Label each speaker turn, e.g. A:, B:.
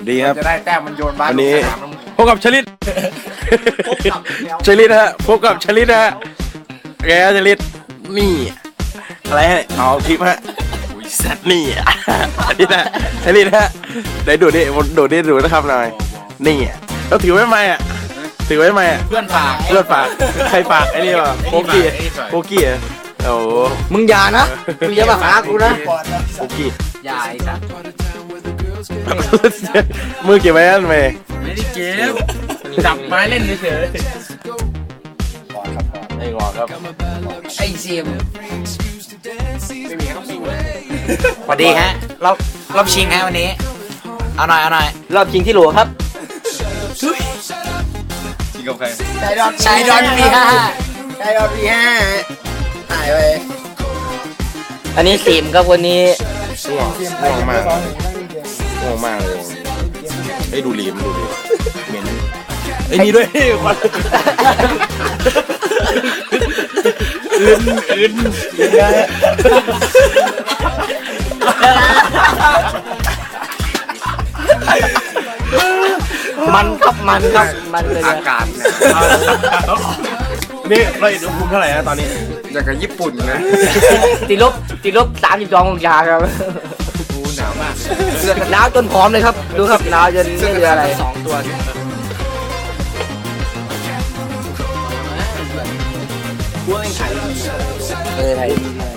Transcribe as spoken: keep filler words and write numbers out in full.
A: ดีครับ
B: จะได้แต้มมันโยนบ้าน
A: วันนี้
B: ลงสนาม
A: พบกับชลิตชลิตฮะพบกับชลิตฮะแกชลิตนี่อะไรฮะเอาคลิปฮะนี่ชลิตฮะชลิตฮะไหนดูดิดูดิดูนะครับหน่อยนี่เราถือไว้ไหมอ่ะถือไว้ไหมอ่ะ
B: เพื่อนฝาก
A: เพื่อนฝากใครฝากไอ้นี่วะโปกี้โปกี้อ่ะโอ้โห
C: มึงอย่านะมึงอย่ามาหากูนะ
A: โปกี้
B: ยายครับ
A: มือเก็บไว้อันไหม
B: ไม่ได้เก็บจับไม้เล่นเฉย
A: ไอ้งอครับ
C: ไอ้เซียม
B: ไม่มีครับ
C: สวัสดีฮะรอบรอบชิงฮะวันนี้เอาหน่อยเอาหน่อย
D: รอบชิงที่โหลครับ
B: ชิงกับใคร
C: ชายดอนชายดอนปีห้าชายดอนปีห้าหายไป
D: อันนี้สิมครับคนนี้
A: ง่วงง่วงมากง่วงมากเลยไอ้ดูลีมดูลีเหม็นไอ้นี่ด้วยควันอื่นอื่น
D: มันครับมันครับมันเลย
B: อา
D: นะ
B: กาศ
A: นี่เราอุณหภูมิเท่าไหร่นะตอนนี้
B: อย่างกับญี่ปุ่นนะ
D: ติดลบติดลบสามสิบสององศาครับ
B: กูหนาวมาก
D: หนาวจนผอมเลยครับดูครับหนาวจนไม่เหลืออะไร
B: สองตัว
D: เออไทย